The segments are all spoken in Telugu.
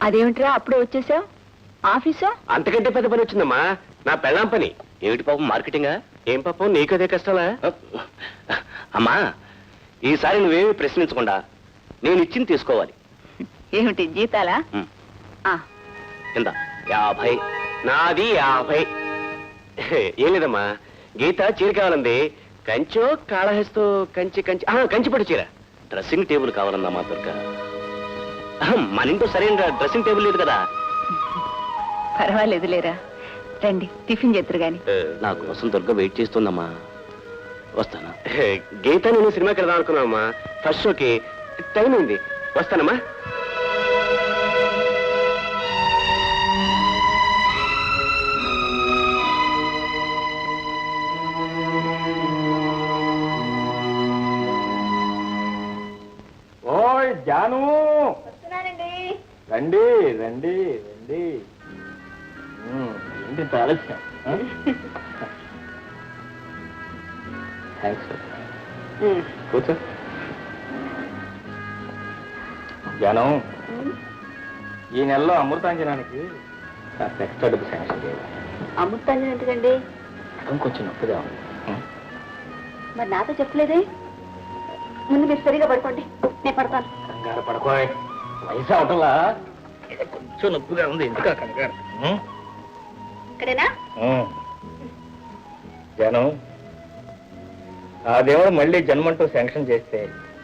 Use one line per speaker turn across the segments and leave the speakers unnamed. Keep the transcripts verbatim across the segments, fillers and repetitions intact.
అదేమిట్రా అప్పుడే వచ్చేసావు? ఆఫీసా?
అంతకంటే పెద్ద పని వచ్చిందమ్మా, నా పెళ్ళాం పని. ఏమిటి పాపం, మార్కెటింగా? ఏం పాపం నీకదే కష్టాలా? అమ్మా, ఈసారి నువ్వేమి ప్రశ్నించకుండా నేను ఇచ్చింది తీసుకోవాలి.
ఏమిటి జీతాలా?
కింద యాభై, నాది యాభై. ఏం లేదమ్మా, గీత చీర కావాలంది. కంచో కాళహస్తో కంచి కంచి కంచిపట్టు చీర. డ్రెస్సింగ్ టేబుల్ కావాలన్నా మా దుర్గ. మన ఇంట్లో సరైన డ్రెస్సింగ్ టేబుల్ లేదు కదా.
పర్వాలేదు లేరా, రండి టిఫిన్ చేద్దరు గాని.
నా కోసం దుర్గ వెయిట్ చేస్తుందమ్మా, వస్తానా? గీత నేను సినిమాకి వెళ్దాం అనుకున్నామమ్మా, ఫస్ట్ షోకి టైం అయింది, వస్తానమ్మా.
ఓయ్ జాను,
వస్తున్నానండి.
రండి రండి రండి. ఏంటి ఆలస్యం? థ్యాంక్స్, కూర్చో. జాను, ఈ నెలలో అమృతాంజనానికి ఎక్స్ట్రా డబ్బు శాంక్షన్ చేయాలి.
అమృతాంజనం ఎందుకండి?
కొంచెం నొప్పిగా ఉంది.
మరి నాతో చెప్పలేదే. ముందు మీరు సరిగా పడుకోండి, నేను పడతాను.
కంగారు పడుకోయ్, వయసు అవటంలా కొంచెం నొప్పిగా ఉంది, ఎందుక కంగారు?
ఇక్కడేనా?
జాను, ఆ దేవుడు మళ్ళీ జన్మంటూ శాంక్షన్ చేస్తే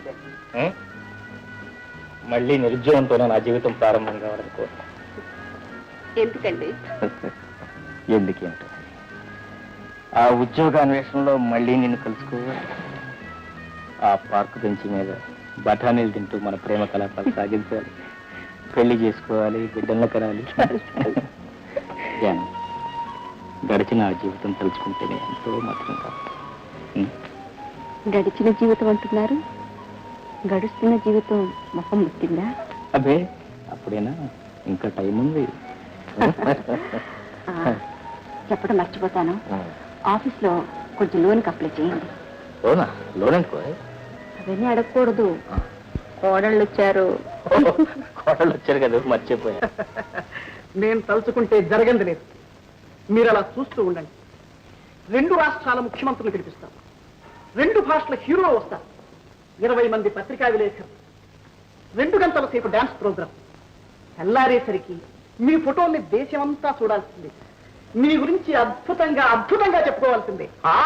మళ్ళీ నిరుద్యోగంతోనే నా జీవితం ప్రారంభం కావాలనుకో.
ఎందుకండి?
ఎందుకేంటో, ఆ ఉద్యోగాన్వేషణలో మళ్ళీ నిన్ను కలుసుకోవాలి. ఆ పార్కు బెంచి మీద బఠానీలు తింటూ మన ప్రేమ కలాపాలు సాగించాలి, పెళ్లి చేసుకోవాలి, బిడ్డలను కనాలి. గడిచిన ఆ జీవితం తలుచుకుంటేనే ఎంతో మాత్రం కాదు.
గడిచిన జీవితం అంటున్నారు, గడుస్తున్న జీవితం మొహం ముట్టిందా?
అబ్బే, అప్పుడేనా, ఇంకా టైం ఉంది.
చెప్పడం మర్చిపోతాను, ఆఫీస్ లో కొంచెం లోన్కి అప్లై చేయండి.
లోనా? లోన్ అనుకో,
అవన్నీ అడగకూడదు. కోడళ్ళు వచ్చారు.
కోడళ్ళు వచ్చారు కదా, మర్చిపోయా.
నేను తలుచుకుంటే జరగంది లేదు, మీరు అలా చూస్తూ ఉండండి. రెండు రాష్ట్రాల ముఖ్యమంత్రులు పిలిపిస్తాం, రెండు భాషల హీరో వస్తారు, ఇరవై మంది పత్రికా విలేకరులు, రెండు గంటల సేపు డాన్స్ ప్రోగ్రాం. తెల్లారేసరికి మీ ఫోటోల్ని దేశమంతా చూడాల్సిందే, మీ గురించి అద్భుతంగా అద్భుతంగా చెప్పుకోవాల్సిందే.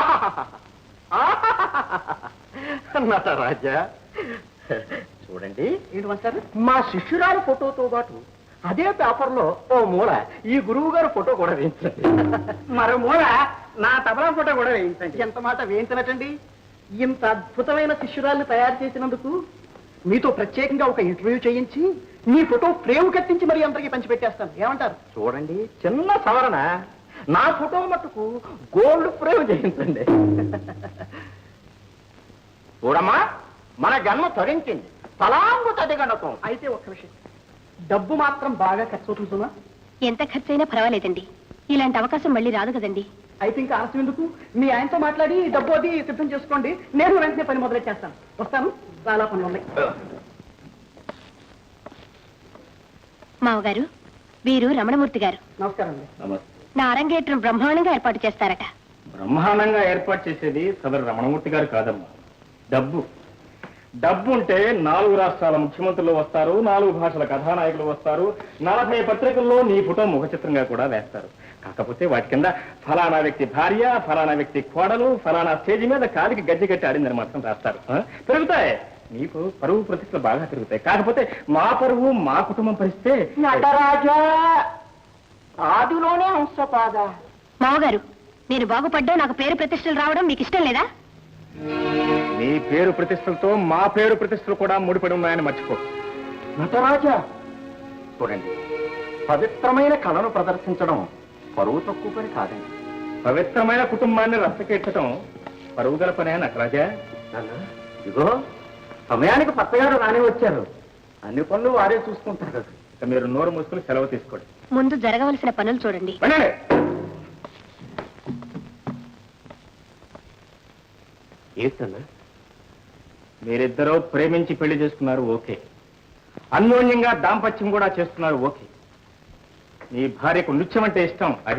నటరాజా, చూడండి,
ఏంటంటారు, మా శిష్యురాలు ఫోటోతో పాటు అదే పేపర్లో ఓ మూల ఈ గురువు గారు ఫోటో కూడా వేయించండి, మరో మూల నా తబలా ఫోటో కూడా వేయించండి. ఎంత మాట వేయించనటండి, ఇంత అద్భుతమైన శిష్యురాల్ని తయారు చేసినందుకు మీతో ప్రత్యేకంగా ఒక ఇంటర్వ్యూ చేయించి మీ ఫోటో ఫ్రేమ్ కట్టించి మరీ అందరికీ పంచిపెట్టేస్తాను. ఏమంటారు?
చూడండి, చిన్న సవరణ, నా ఫోటో మట్టుకు గోల్డ్ ఫ్రేమ్ చేయించండి. చూడమ్మా, మన జన్మ తరించింది, తలాంగు తదిగణతం.
అయితే ఒక్క విషయం, డబ్బు మాత్రం బాగా ఖర్చు అవుతుందా?
ఎంత ఖర్చైనా పర్వాలేదండి, ఇలాంటి అవకాశం మళ్ళీ రాదు కదండి.
అయితే ఇంకా ఆలస్యం ఎందుకు, మీ ఆయనతో మాట్లాడి డబ్బు అది సిద్ధం చేసుకోండి, నేను వెంటనే పని మొదలెట్టేస్తాను. వస్తాను, చాలా పనులు ఉన్నాయి.
మావగారు, వీరు రమణమూర్తి గారు.
నమస్కారం అండి.
నా అరంగేట్రం బ్రహ్మాండంగా ఏర్పాటు చేస్తారట.
బ్రహ్మాండంగా ఏర్పాటు చేసేది సదరు రమణమూర్తి గారు కాదమ్మా, డబ్బు. డబ్బు ఉంటే నాలుగు రాష్ట్రాల ముఖ్యమంత్రులు వస్తారు, నాలుగు భాషల కథానాయకులు వస్తారు, నలభై పత్రికల్లో నీ ఫోటో ముఖ చిత్రంగా కూడా వేస్తారు. కాకపోతే వాటి కింద ఫలానా వ్యక్తి భార్య, ఫలానా వ్యక్తి కోడలు, ఫలానా స్టేజ్ మీద కాలికి గజ్జి కట్టి ఆడిందని మాత్రం రాస్తారు. పెరుగుతాయి, నీకు పరువు ప్రతిష్టలు బాగా పెరుగుతాయి. కాకపోతే మా పరువు, మా కుటుంబం పరిస్థితే.
నటరాజా, ఆదిలోనే హంసపాద.
మావగారు, నేను బాగుపడ్డా నాకు పేరు ప్రతిష్టలు రావడం మీకు ఇష్టం లేదా?
నీ పేరు ప్రతిష్టలతో మా పేరు ప్రతిష్టలు కూడా ముడిపడి ఉన్నాయని మర్చిపో.
నటరాజా,
చూడండి,
పవిత్రమైన కళను ప్రదర్శించడం పరువు తక్కువ పని కాదండి.
పవిత్రమైన కుటుంబాన్ని రచ్చకెట్టడం పరుగుదల పనే నటరాజా.
ఇగో, సమయానికి పత్తగారు రాని వచ్చారు, అన్ని పనులు వారే చూసుకుంటారు.
మీరు నోరు మూసుకుని సెలవు తీసుకోండి.
ముందు జరగవలసిన పనులు చూడండి.
ఏంటన్నా?
మీరిద్దరూ ప్రేమించి పెళ్లి చేసుకున్నారు, ఓకే. అన్యోన్యంగా దాంపత్యం కూడా చేస్తున్నారు. ఓకే, నీ భార్యకు నృత్యం అంటే ఇష్టం, అది